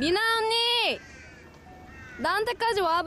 미나 언니! 나한테까지 와봐!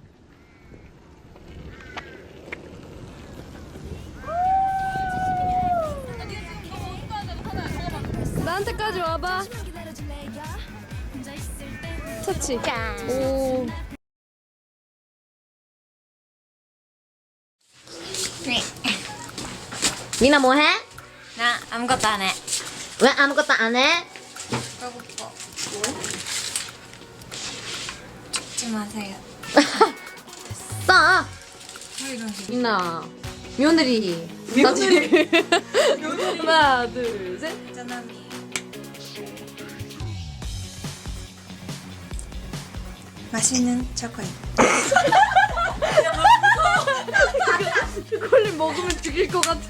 나한테까지 와봐! 터치. 오. 미나 뭐해? 나 아무것도 안 해. 왜 아무것도 안 해? 배고파. 죽지 마세요. 싸! 이런 미나 며느리 하나, 둘, 셋. 짜장면. 맛있는 초콜릿. 초콜릿 먹으면 죽일 것 같아.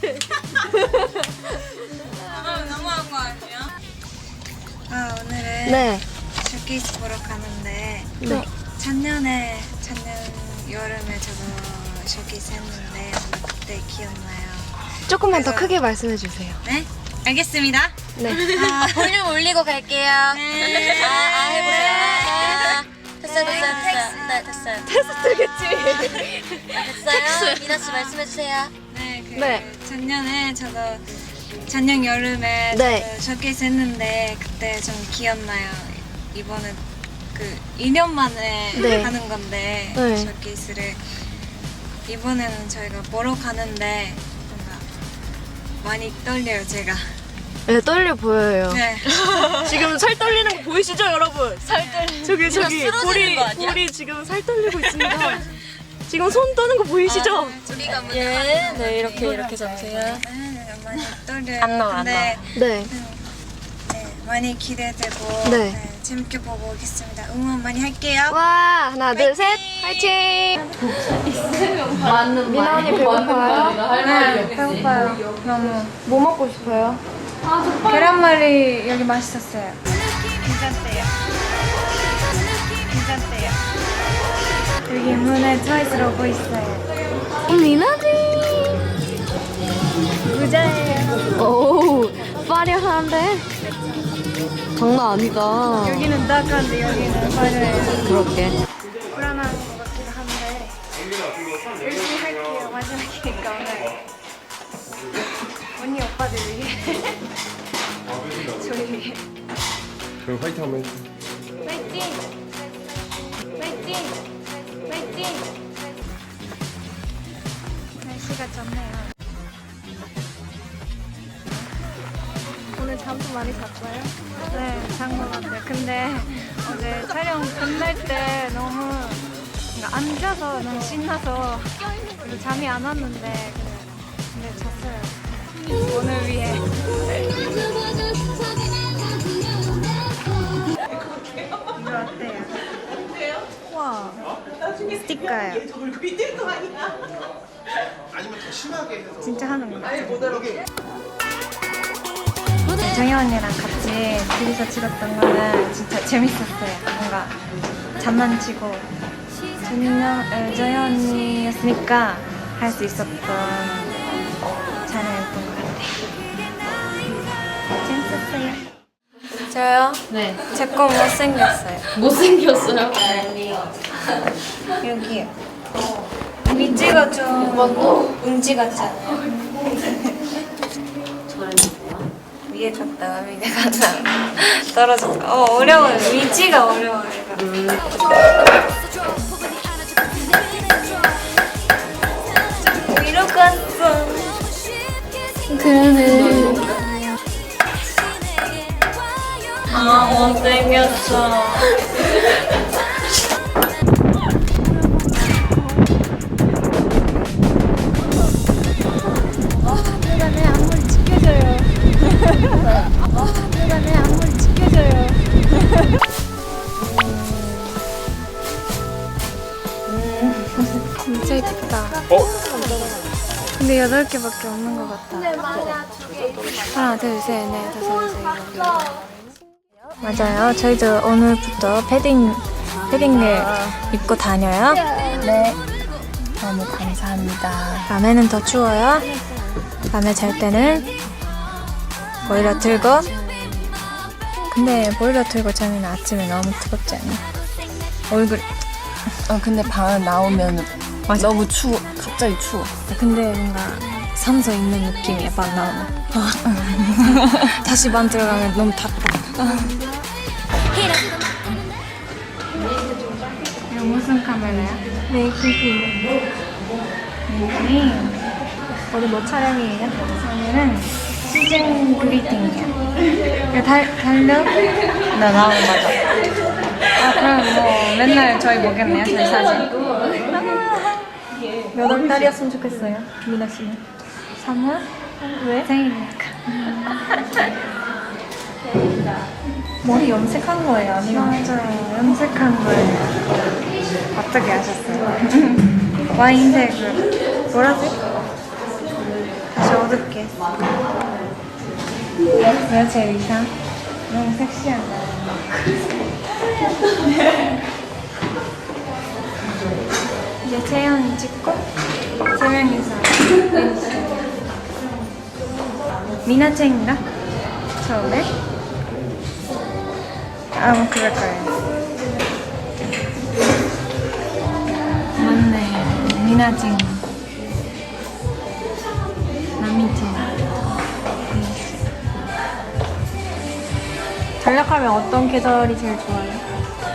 너무한 거 아니야? 아 오늘은 네. 쇼케이스 보러 가는데 네. 작년 여름에 저도 쇼케이스 했는데 그때 기억나요. 조금만 더 그래서- 크게 말씀해 주세요. 네? 알겠습니다. 네. 아, 볼륨 올리고 갈게요. 네. 해보세요. 됐어요. 네, 됐어요. 됐어요. 미나 씨 말씀해주세요. 네, 네. 작년에 저도 작년 여름에 네. 저도 쇼케이스 했는데 그때 좀 기억나요. 이번엔 그 2년 만에 네. 하는 건데 네. 쇼케이스를 이번에는 저희가 보러 가는데 뭔가 많이 떨려요 제가. 네, 떨려 보여요. 네. 지금 살 떨리는 거 보이시죠, 여러분? 살 떨리. 저기 쓰러지는 거 아니야? 볼이 지금 살 떨리고 있습니다. 지금 손 떠는 거 보이시죠? 우리가 예, 네, 이렇게 잡으세요. 많이 떨려요. 안 나와, 안 근데 네. 네, 많이 기대되고 네. 네, 재밌게 보고 오겠습니다. 응원 많이 할게요. 와, 하나, 둘, 셋, 화이팅! 미나 언니 배고파요? 네, 배고파요. 너무. 뭐 먹고 싶어요? 계란말이 여기 맛있었어요. 괜찮대요. 괜찮대요. 여기 문에 트와이스 로고 있어요. 미나지! 부자예요. 오, 화려한데? 장난 아니다. 여기는 따뜻한데 여기는 화려해요. 그렇게. 불안한 것 같기도 한데 열심히 할게요. 마지막이니까 오늘. 언니 오빠들 위해. 저희 위해. 그럼 화이팅 한번 해주세요. 파이팅! 파이팅! 파이팅! 날씨가 좋네요. 오늘 잠도 많이 잤어요? 네, 잔 것 같아요. 근데 어제 촬영 끝날 때 너무 뭔가 앉아서 너무 신나서 그래서 잠이 안 왔는데 근데 잤어요. 오늘 위해. 이거 어때요? 와, 스티커예요. 진짜 하는 거 같아요. 정혜 언니랑 같이 둘이서 찍었던 거는 진짜 재밌었어요. 뭔가 장난치고 정혜 언니였으니까 할 수 있었던 촬영이었던 것 같아요. 재밌었어요. 저요? 네. 제 거 못생겼어요. 못생겼어요? 여기요. 위치가 좀 은지 같잖아요. 위에 갔다가 밑에 갔다가 떨어졌다. 어려워요. 위치가 어려워요. 위로 갔어. 그러네. 아, 못생겼어. 누가 내 안무를 지켜줘요. 누가 내 안무를 지켜줘요. 진짜 예쁘다. 근데 8개밖에 없는 것 같다. 하나, 둘, 셋, 넷, 다섯, 여섯, 일곱. 맞아요. 저희도 오늘부터 패딩을 입고 다녀요. 네. 너무 감사합니다. 밤에는 더 추워요. 밤에 잘 때는 보일러 틀고 근데 보일러 틀고 자면 아침에 너무 뜨겁지 않니? 얼굴. 근데 방 나오면 너무 추워. 갑자기 추워. 근데 뭔가 산소 있는 느낌이야, 방 나오면. 다시 방 들어가면 너무 덥다. 이거 무슨 카메라야? 메이킹. 오늘 뭐 촬영이에요? 오늘은 시즌 그리팅이야. 달려? 나 나오는 맞아. 그럼 뭐 맨날 저희 보겠네요, 저희 사진. 몇 월 달이었으면 좋겠어요, 미나 씨는? 3월? 왜? 생일이니까. 머리 염색한 거예요, 아니면? 맞아요, 염색한 거예요. 어떻게 하셨어요? 와인색을 보라색? 다시 어둡게. 왜 제 의상? 너무 섹시한다. 이제 채연이 찍고 3명이서 미나쟁인가? 처음에? 뭐 그럴 거예요. 맞네, 미나쟁. 나미쟁. 전략하면 어떤 계절이 제일 좋아요?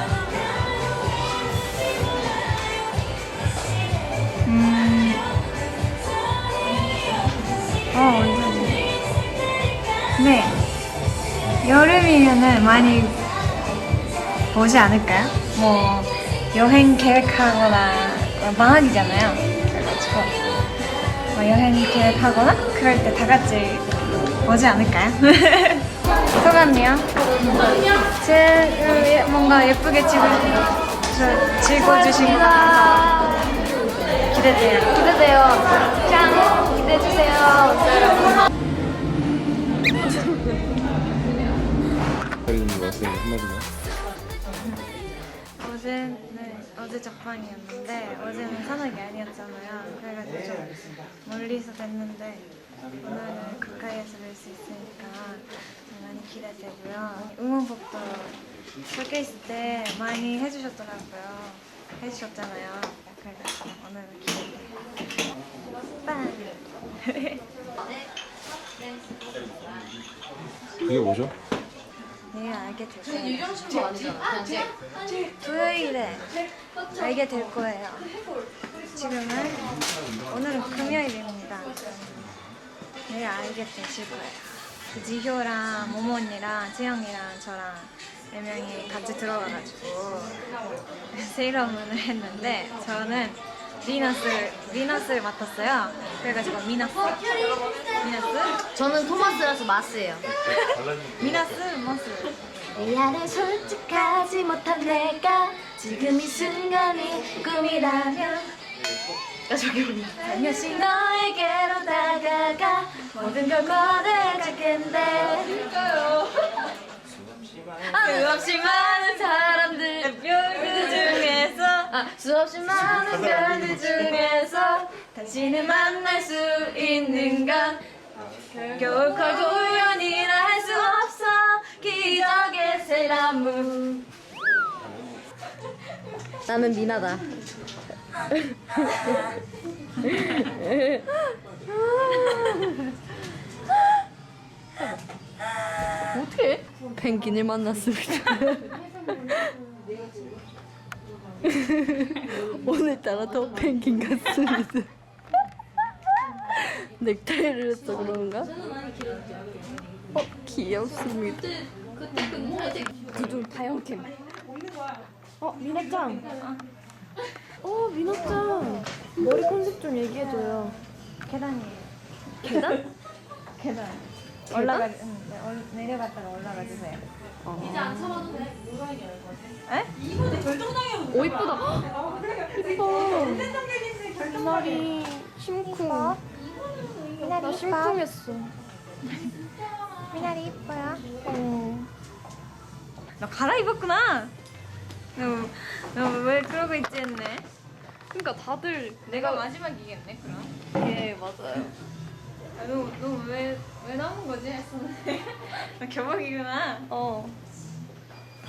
언제지? 네. 여름이면은 많이 보지 않을까요? 뭐, 여행 계획하거나, 방학이잖아요. 그래가지고, 여행 계획하거나, 그럴 때 다 같이 보지 않을까요? 소감이요? 뭔가 예쁘게 찍어주신 것 같아서 기대돼요. 짠! 기대해주세요. 기다리는 말씀 한마디만. 어제 적방이었는데 어제는 산악이 아니었잖아요. 그래가지고 좀 멀리서 뵀는데 오늘은 가까이에서 뵐 수 있으니까 많이 기대되고요. 응원법도 적혀있을 때 많이 해주셨잖아요. 그래가지고 오늘은 기대돼요. 빵! 그게 뭐죠? 내일 알게 될 거예요. 토요일에 알게 될 거예요. 오늘은 금요일입니다. 내일 알게 되실 거예요. 지효랑 모모 언니랑 채영이랑 저랑 4명이 같이 들어가가지고 세일러문을 했는데 저는 미너스를 맡았어요. 그래가지고 미너스? 저는 토마스라서 마스예요. 미너스? 미안해 솔직하지 못한 내가 지금 이 순간이 꿈이라면 살며시 너에게로 다가가 모든 걸 꺼내줄 텐데 수없이 많은 사람들 별들 중에서 수없이 많은 별들 중에서 당신을 만날 수 있는 건 결국 우연이라 할 수 없어 기적의 세라무 나는 미나다 어떻게? 펭귄을 만났습니다. 오늘따라 더 펭귄 같습니다. 넥타이를 해서 그런가? 귀엽습니다. 그중 다영캠. 미나짱. 미나짱. 머리 컨셉 좀 얘기해줘요. 계단이에요. 계단? 계단. 내려갔다가 올라가 주세요. 이제 안 참아도 돼? 에? 오 이쁘다. 이뻐. 미나리 심쿵. 나 심쿵했어. 미나리 이뻐요? 너 갈아입었구나. 너 왜 그러고 있지 했네. 그러니까 다들 내가 마지막이겠네 그럼. 예 맞아요. 너 왜 남은 거지 했었는데. 너 교복이구나.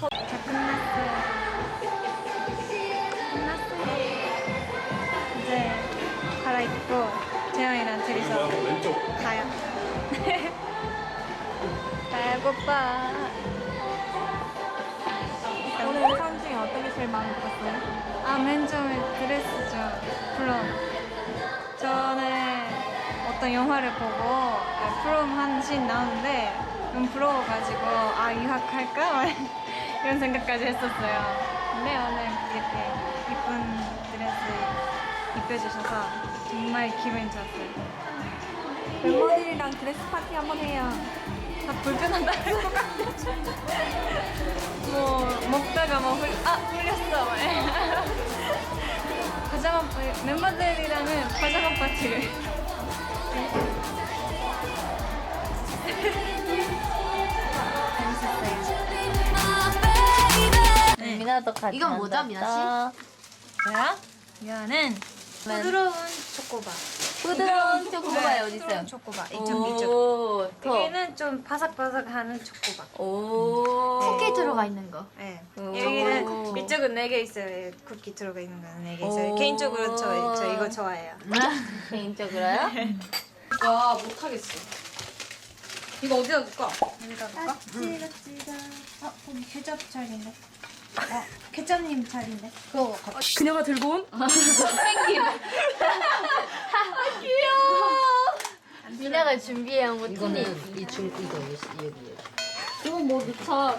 끝났어요. 이제 갈아입고 재영이랑 둘이서 가요. 배고파. 오늘 사람 중에 어떤 게 제일 마음에 들었어요? 아, 맨 처음에 드레스죠. 물론 전에 어떤 영화를 보고 프롬 한 씬 나오는데 너무 부러워가지고 아, 유학할까? 이런 생각까지 했었어요. 근데 오늘 이렇게 이쁜 드레스 입혀주셔서 정말 기분이 좋았어요. 멤버들이랑 드레스 파티 한번 해요. 다 불편하다 할 것 같아. 뭐 먹다가 뭐 흘렸어. 파자마 멤버들이랑은 파자마 파티를. 미나도 같이 이건 뭐죠, 미나 씨? 뭐야? 이거는 부드러운 초코바. 부드러운 초코바에 어디 있어요? 초코바. 이쪽. 오, 여기는 좀 바삭바삭하는 초코바. 오. 쿠키 들어가 있는 거. 네. 오. 여기는 이쪽은 4개 있어요. 예, 쿠키 들어가 있는 거는 4개 있어요. 오. 개인적으로 저 이거 좋아해요. 개인적으로요? 와 못하겠어. 이거 어디다 놓을까? 여기다 놓을까? 거기 케첩 자리인데. 케첩님 자리인데. 그거 그녀가 들고 온? 미나가 준비해온 거 토니. 이건 뭐 넣자.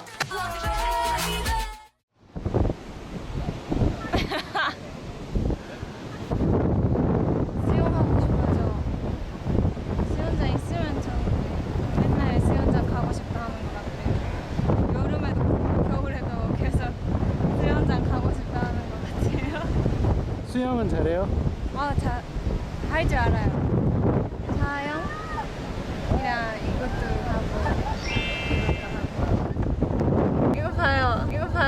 수영하고 싶어져. 수영장 있으면 좀 맨날 수영장 가고 싶다 하는 것 같아요. 여름에도 그렇고 겨울에도 계속 수영장 가고 싶다 하는 것 같아요. 수영은 잘해요? 할 줄 알아요. 자영이랑 이것도 하고 이거 봐요.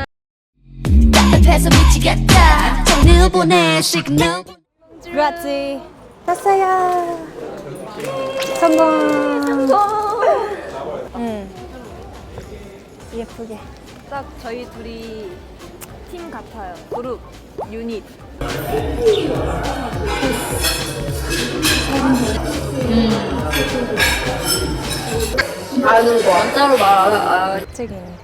답답해서 미치겠다 정리를 보내 시그널 그렇지. 땄어요. 성공. 예쁘게. 딱 저희 둘이 팀 같아요. 그룹, 유닛. 아는 거 따로 말. 책이네.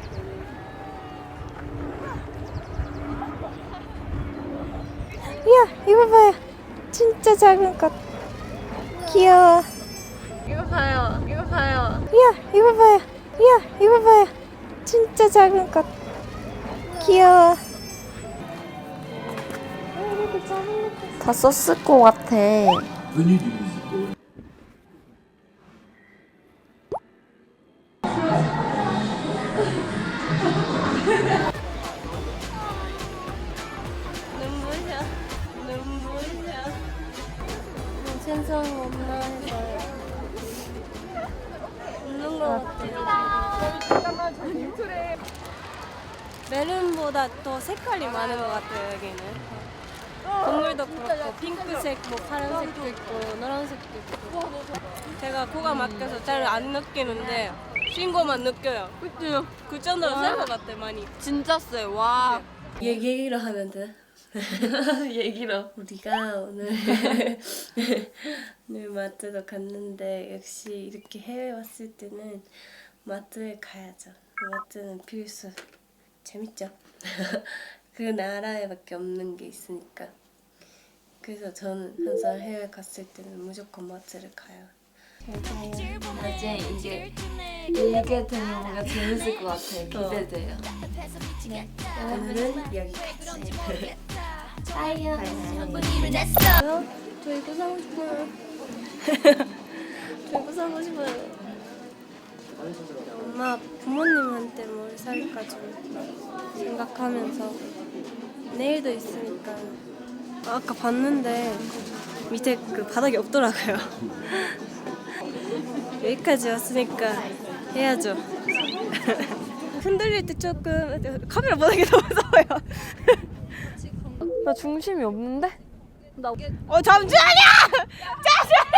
이야, 이거 봐요. 진짜 작은 것. 귀여워. 이거 봐요. 이야, 이거 봐요. 이야, 이거 봐요. 진짜 작은 것. 귀여워. 다 썼을 것 같아. 눈부셔. 생선 없나 해서요. 없는 것 같아. 메론보다 더 색깔이 많은 것 같아요, 여기는. 동물도 그렇고 핑크색, 뭐 파란색도 있고 노란색도 있고. 제가 코가 막혀서 잘 안 느끼는데 쉰 거만 느껴요. 그죠? 그 정도로 센것 같아, 많이. 진짜 쎄. 와. 얘기로 하면 돼. 얘기로. 우리가 오늘 마트도 갔는데 역시 이렇게 해외 왔을 때는 마트에 가야죠. 마트는 필수. 재밌죠? 그 나라에밖에 없는 게 있으니까. 그래서 저는 항상 해외 갔을 때는 무조건 마트를 가요. 이제 이게 되면 뭔가 재밌을 것 같아요. 기대돼요. 오늘은 여기까지. 저 이거 사고 싶어요. 저 이거 사고 싶어요. 엄마 부모님한테 뭘 살까 좀 생각하면서 내일도 있으니까 아까 봤는데 밑에 그 바닥이 없더라고요. 여기까지 왔으니까 해야죠. 흔들릴 때 조금 카메라 보는 게 너무 무서워요. 나 중심이 없는데? 잠시만요!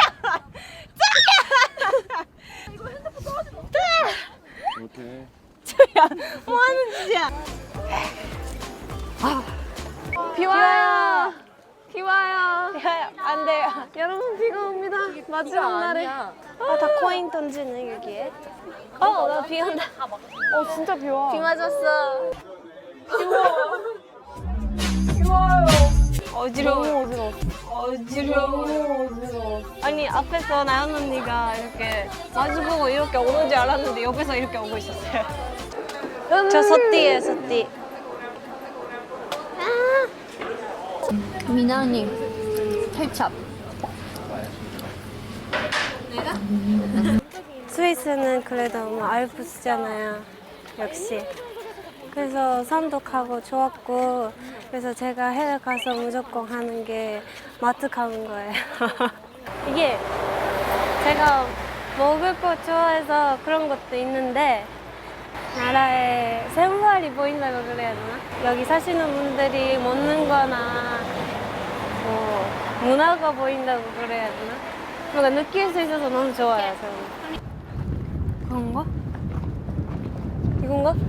오케이. 소리야? 뭐 하는 짓이야? 비 와요. 비 와요. 안 돼요. 여러분 비가 옵니다. 마지막 날에. 다 코인 던지네 여기에. 나 비 온다. 진짜 비 와. 비 맞았어. 비 와요. 어지러워. 어지러워. 아니 앞에서 나연 언니가 이렇게 마주보고 이렇게 오는 줄 알았는데 옆에서 이렇게 오고 있었어요. 저 서띠예요, 서띠. 미나님 케찹. 스위스는 그래도 뭐 알프스잖아요. 역시. 그래서 산도 가고 좋았고, 그래서 제가 해외 가서 무조건 하는 게 마트 가는 거예요. 이게 제가 먹을 거 좋아해서 그런 것도 있는데 나라의 생활이 보인다고 그래야 되나? 여기 사시는 분들이 먹는 거나 뭐 문화가 보인다고 그래야 되나? 뭔가 느낄 수 있어서 너무 좋아요, 저는. 그런가? 이건가?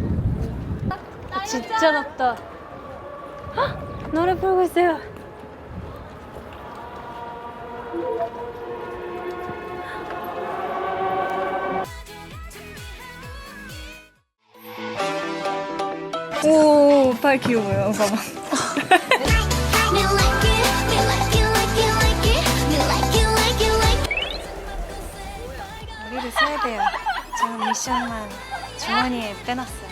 진짜 높다. 헉! 노래 부르고 있어요. 오, 팔 귀여워요. 봐봐. Me like it, me like it, like it, like it. Me like it, like it, like it. 머리를 써야 돼요. 저는 미션만 주머니에 빼놨어요.